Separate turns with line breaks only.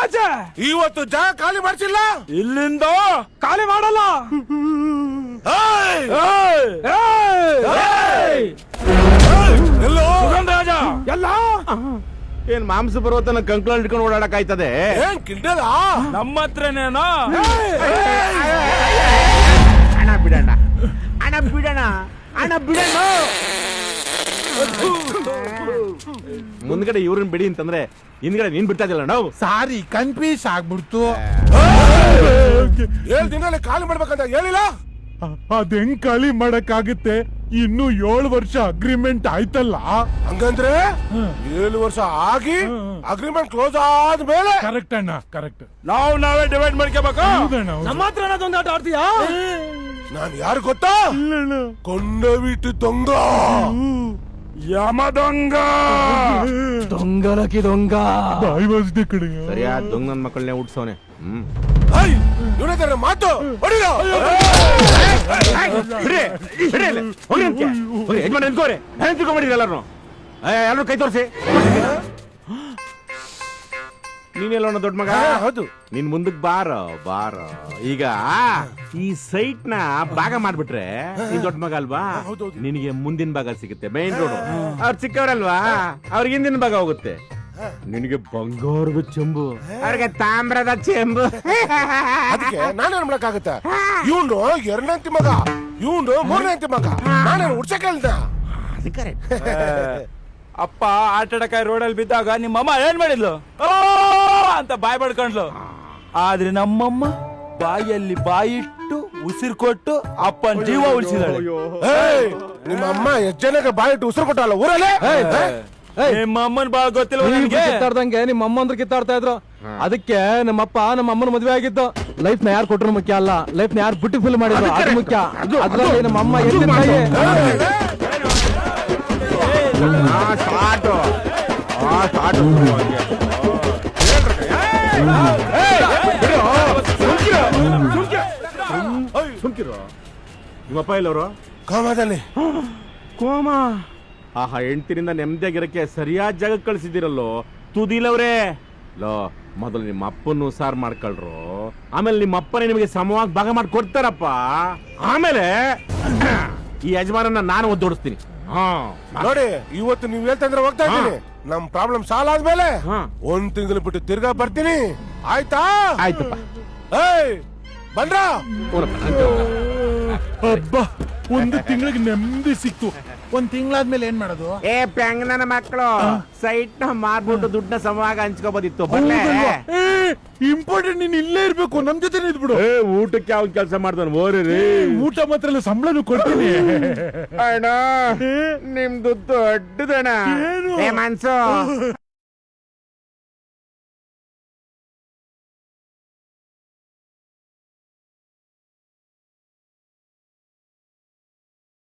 ಆಚೆ
ಇವತ್ತು ಜಾಗ ಖಾಲಿ ಮಾಡ್ಸಿಲ್ಲ.
ಇಲ್ಲಿಂದ ಖಾಲಿ ಮಾಡಲ್ಲ.
ಎಲ್ಲೋ
ರಾಜ ಎಲ್ಲ
ಏನ್ ಮಾಂಸ ಪರ್ವತನ ಕಂಕ್ಳ ಇಟ್ಕೊಂಡು ಓಡಾಡಕ್ ಆಯ್ತದೆ?
ಏನ್ ಕಿಂಡಲ
ನಮ್ಮ ಹತ್ರನೇನೋ.
ಹಣ ಬಿಡೋಣ, ಹಣ ಬಿಡೋಣ, ಹಣ ಬಿಡೋಣ. ಮುಂದ್ಗಡೆ ಇವ್ರನ್ನ ಬಿಡಿ ಅಂತಂದ್ರೆ ಹಿಂದ್ಗಡೆ ನೀನ್ ಬಿಡ್ತಾ ಇದ್ದಿಲ್ಲ ನಾವು.
ಸಾರಿ ಕನ್ಫ್ಯೂಸ್ ಆಗ್ಬಿಡ್ತು.
7 ದಿನದಲ್ಲಿ ಖಾಲಿ ಮಾಡ್ಬೇಕಂತ ಹೇಳಿಲ್ಲ.
ಅದ್ ಹೆಂಗ್ ಖಾಲಿ ಮಾಡಕ್ಕಾಗುತ್ತೆ? ಇನ್ನು 7 ವರ್ಷ ಅಗ್ರಿಮೆಂಟ್ ಆಯ್ತಲ್ಲ.
ಹಂಗಂದ್ರೆ 7 ವರ್ಷ ಆಗಿ ಅಗ್ರಿಮೆಂಟ್ ಕ್ಲೋಸ್ ಆದ್ಮೇಲೆ.
ಕರೆಕ್ಟ್ ಅಣ್ಣ, ಕರೆಕ್ಟ್.
ನಾವೇ ಡಿವೈಡ್ ಮಾಡ್ಕೋಬೇಕು.
ನಮ್ಮ
ಹತ್ರ ಅದೊಂದು ಆಟ ಆಡ್ತೀಯಾ?
ನಾನು ಯಾರು ಗೊತ್ತಾ? ಕೊಂಡ ಬಿಟ್ಟು ದೊಂಗ,
ಯಮ ದೊಂಗ, ದೊಂಗಲಕಿ ದೊಂಗ.
ಬಾಯಿ ವಾಸಿದೆ ಕಡೆ.
ಸರಿಯಾದ ದೊಂಗ ನನ್ ಮಕ್ಕಳನ್ನೇ ಹುಟ್ಸೋನೆ.
ಇವನ ಮಾತು ಹೊಡಿರೋ.
ಯಜಮಾನ ನಿಂತ್ಕೋರಿ, ಹೆಂಗ್ ತಿಳ್ಕೊಂಡ್ಬಿಟ್ಟಿರಿ ಎಲ್ಲರೂ? ಎಲ್ಲರೂ ಕೈ ತೋರಿಸಿ. ನೀನೆಲ್ಲ ದೊಡ್ಡ ಮಗ?
ಹೌದು.
ನಿನ್ ಮುಂದಕ್ ಬಾರೋ ಬಾರೋ. ಈಗ ಈ ಸೈಟ್ ನ ಭಾಗ ಮಾಡ್ಬಿಟ್ರೆ ನೀನ್ ದೊಡ್ಡ ಮಗ ಅಲ್ವಾ? ನಿನಗೆ ಮುಂದಿನ ಭಾಗ ಸಿಗುತ್ತೆ, ಮೇನ್ ರೋಡ್. ಅವ್ರು ಚಿಕ್ಕವರಲ್ವಾ, ಅವ್ರಿಗೆ ಹಿಂದಿನ ಭಾಗ ಹೋಗುತ್ತೆ. ನಿನಗೆ ಬಂಗಾರದ ಚೆಂಬು, ಅವ್ರಿಗೆ ತಾಮ್ರದ ಚೆಂಬು.
ಅದಕ್ಕೆ ನಾನೇನ್ ಮಾಡಕ್ಕಾಗತ್ತೆ? ಇವ್ನು 2ನೇ ಮಗ, ಇವ್ನು 3ನೇ ಮಗ. ನಾನೇನು ಹುಡ್ಸಕ್ ಹೇಳ್ದ?
ಅಪ್ಪ ಆಟಾಡಕಾಯಿ ರೋಡಲ್ಲಿ ಬಿದ್ದಾಗ ನಿಮ್ಮಮ್ಮ ಏನ್ ಮಾಡಿದ್ಲು ಅಂತ ಬಾಯ್ ಬಡ್ಕೊಂಡ್ಲು. ಆದ್ರೆ ನಮ್ಮಮ್ಮ ಬಾಯಲ್ಲಿ ಬಾಯಿಟ್ಟು ಉಸಿರು ಕೊಟ್ಟು ಅಪ್ಪನ ಜೀವ ಉಳಿಸಿದಾಳೆ.
ನಿಮ್ಮ ಅಮ್ಮ ಎಷ್ಟ್ ಜನಕ್ಕೆ ಬಾಯಿಟ್ಟು ಉಸಿರು ಕೊಟ್ಟಲ್ಲ ಊರಲ್ಲೇ?
ನಿಮ್ಮ ಅಮ್ಮನ ಬಾಳ ಗೊತ್ತಿಲ್ಲ ನಿಮ್ಗೆ.
ಕಿತ್ತಾಡ್ದಂಗೆ ನಿಮ್ಮ ಅಮ್ಮ ಅಂದ್ರೆ ಕಿತ್ತಾಡ್ತಾ ಇದ್ರು. ಅದಕ್ಕೆ ನಮ್ಮಪ್ಪ ನಮ್ಮ ಅಮ್ಮನ ಮದುವೆ ಆಗಿದ್ದು. ಲೈಫ್ ನ ಯಾರು ಕೊಟ್ಟರು ಮುಖ್ಯ ಅಲ್ಲ, ಲೈಫ್ ನ ಯಾರು ಬ್ಯೂಟಿಫುಲ್ ಮಾಡಿದ್ರು ಅದು ಮುಖ್ಯ. ಅದ್ರಲ್ಲಿ ನಮ್ಮ ಅಮ್ಮ ಎತ್ತಿನ ಕೈ.
ಸುಮ್ಕಿರೋ. ನಿಮ್ಮಪ್ಪ ಎಲ್ಲವರು?
ಕಾಮದಲ್ಲಿ.
ಕೋಮ. ಆಹಾ, ಹೆಂಡ್ತಿರಿಂದ ನೆಮ್ಮದಿಯಾಗಿರಕ್ಕೆ ಸರಿಯಾದ ಜಾಗ ಕಳ್ಸಿದಿರಲ್ಲೋ ತುದಿಲವ್ರೆ. ಲೋ, ಮೊದಲು ನಿಮ್ಮ ಅಪ್ಪನ್ನು ಸಾರ್ ಮಾಡ್ಕೊಳ್ರು, ಆಮೇಲೆ ನಿಮ್ಮ ಅಪ್ಪನೇ ನಿಮಗೆ ಸಮವಾಗಿ ಭಾಗ ಮಾಡಿ ಕೊಡ್ತಾರಪ್ಪ. ಆಮೇಲೆ ಈ ಯಜಮಾನನ್ನ ನಾನು ಒದ್ದೋಡಿಸ್ತೀನಿ.
ನೋಡಿ, ಇವತ್ತು ನೀವ್ ಹೇಳ್ತಂದ್ರೆ ಹೋಗ್ತಾ ಇದ್ದೀನಿ. ನಮ್ ಪ್ರಾಬ್ಲಮ್ ಸಾಲ್ವ್ ಆದ್ಮೇಲೆ 1 ತಿಂಗಳು ಬಿಟ್ಟು ತಿರ್ಗಾ ಬರ್ತೀನಿ. ಆಯ್ತಾ?
ಆಯ್ತಪ್ಪ.
ಬಂದ್ರ
ಹಬ್ಬ, 1 ತಿಂಗಳಿಗೆ ನೆಮ್ಮದಿ ಸಿಕ್ತು. 1 ತಿಂಗಳಾದ್ಮೇಲೆ ಏನ್ ಮಾಡೋದು?
ಪ್ಯಾಂಗ್ ನನ್ನ ಮಕ್ಕಳು ಸೈಟ್ ನ ಮಾರ್ಬಿಟ್ಟು ದುಡ್ಡನ್ನ ಸಮವಾಗಿ ಹಂಚ್ಕೋಬೋದಿತ್ತು.
ಇಂಪಾರ್ಟೆಂಟ್, ನೀನ್ ಇಲ್ಲೇ ಇರ್ಬೇಕು, ನಮ್ ಜೊತೆ ಇದ್ಬಿಡು.
ಊಟಕ್ಕೆ ಯಾವ ಕೆಲಸ ಮಾಡ್ತಾನೆ ಓರಿ?
ಊಟ ಮಾತ್ರ ಎಲ್ಲ ಸಂಬಳನು ಕೊಡ್ತೀನಿ.
ಅಣ್ಣ, ನಿಮ್ದು ದೊಡ್ಡದಣ್ಣ ಮನ್ಸು.